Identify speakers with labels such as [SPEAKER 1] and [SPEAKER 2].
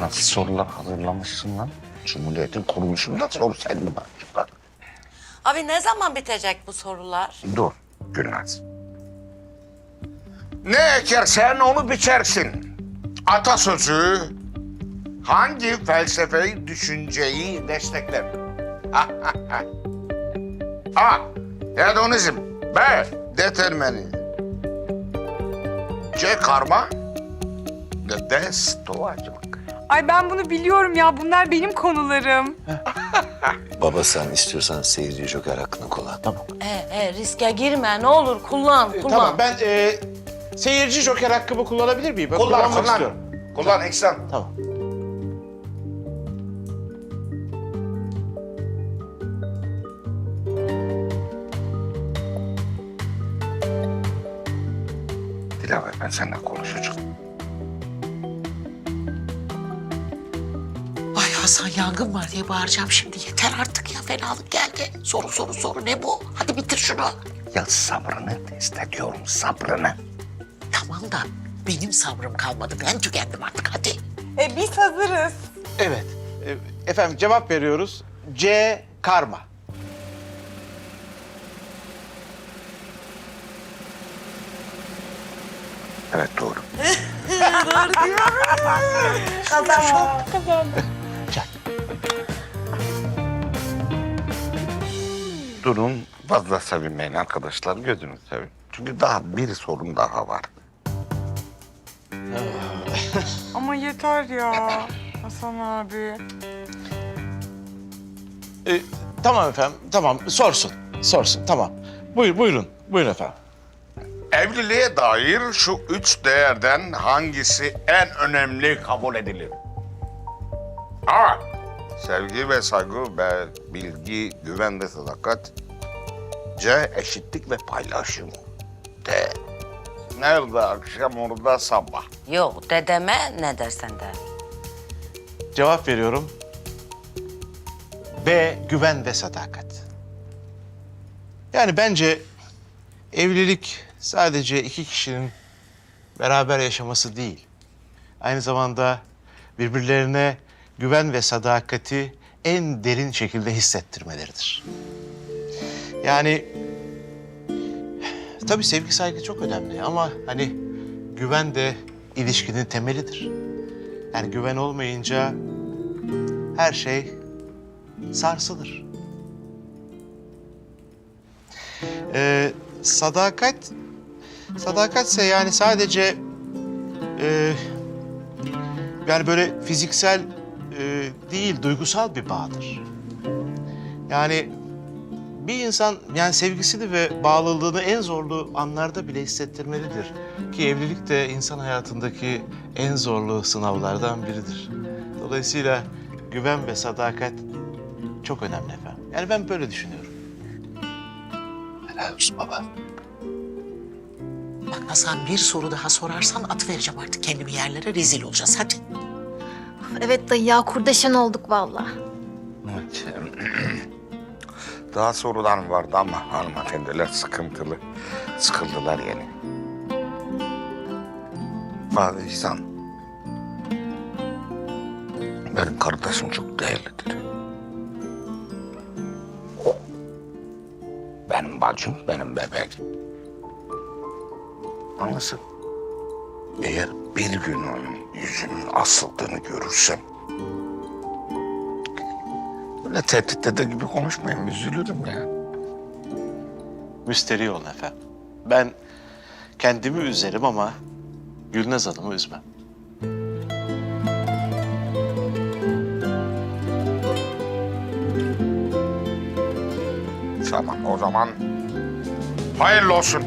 [SPEAKER 1] Nasıl sorular hazırlamışsın lan? Cumhuriyetin kuruluşunda sorsaydın bak.
[SPEAKER 2] Abi ne zaman bitecek bu sorular?
[SPEAKER 1] Dur Gülnaz. Ne ekersen onu biçersin. Atasözü hangi felsefeyi, düşünceyi destekler? A. Hedonizm. B. Determinizm. C. Karma. D. Stoacılık.
[SPEAKER 3] Ay ben bunu biliyorum ya. Bunlar benim konularım.
[SPEAKER 4] Baba sen istiyorsan seyirci joker hakkını kullan. Tamam.
[SPEAKER 2] Riske girme ne olur kullan.
[SPEAKER 5] Tamam ben seyirci joker hakkımı kullanabilir miyim? Ben kullanmak istiyorum.
[SPEAKER 1] Kullan İhsan.
[SPEAKER 5] Tamam.
[SPEAKER 1] Dilaver ben seninle konuşacağım.
[SPEAKER 6] Ay Hasan yangın var diye bağıracağım şimdi. Yeter artık ya fenalık geldi. Soru ne bu? Hadi bitir şunu.
[SPEAKER 1] Ya sabrını test ediyorum, sabrını.
[SPEAKER 6] Tamam da benim sabrım kalmadı. Ben tükendim artık hadi.
[SPEAKER 3] Biz hazırız.
[SPEAKER 5] Evet. Efendim cevap veriyoruz. C. Karma.
[SPEAKER 1] Evet doğru. Durun fazla sevinmeyin arkadaşlar, gözünü sevin. Çünkü daha bir sorun daha var.
[SPEAKER 3] Ama yeter ya. Hasan abi.
[SPEAKER 5] Tamam efendim. Tamam. Sorsun. Tamam. Buyurun efendim.
[SPEAKER 1] Evliliğe dair şu üç değerden hangisi en önemli kabul edilir? A. Sevgi ve saygı. B. Bilgi, güven ve sadakat. C. Eşitlik ve paylaşım. D. Nerede akşam orada sabah.
[SPEAKER 2] Yok dedeme ne dersen de.
[SPEAKER 5] Cevap veriyorum. B. Güven ve sadakat. Yani bence evlilik sadece iki kişinin beraber yaşaması değil. Aynı zamanda birbirlerine güven ve sadakati en derin şekilde hissettirmeleridir. Yani tabii sevgi saygı çok önemli ama hani güven de ilişkinin temelidir. Yani güven olmayınca her şey sarsılır. Sadakatse yani sadece yani böyle fiziksel değil, duygusal bir bağdır. Yani bir insan yani sevgisini ve bağlılığını en zorlu anlarda bile hissettirmelidir. Ki evlilik de insan hayatındaki en zorlu sınavlardan biridir. Dolayısıyla güven ve sadakat çok önemli efendim. Yani ben böyle düşünüyorum.
[SPEAKER 4] Helal olsun baba.
[SPEAKER 6] Bak Hasan bir soru daha sorarsan atıvereceğim artık kendimi yerlere rezil olacağız hadi.
[SPEAKER 7] Evet dayı ya kurdeşen olduk vallahi.
[SPEAKER 1] Evet. Daha sorular vardı ama hanımefendiler sıkıntılı. Sıkıldılar yani. Bazı İhsan. Benim kardeşim çok değerlidir. O. Benim bacım, benim bebeğim. Anlasın. Eğer bir gün onun yüzünün asıldığını görürsem... ...böyle tehdit eder gibi konuşmayın, üzülürüm ya.
[SPEAKER 5] Müsterih olun efendim. Ben kendimi üzerim ama Gülnaz Hanım'ı üzmem.
[SPEAKER 1] Tamam, o zaman hayırlı olsun.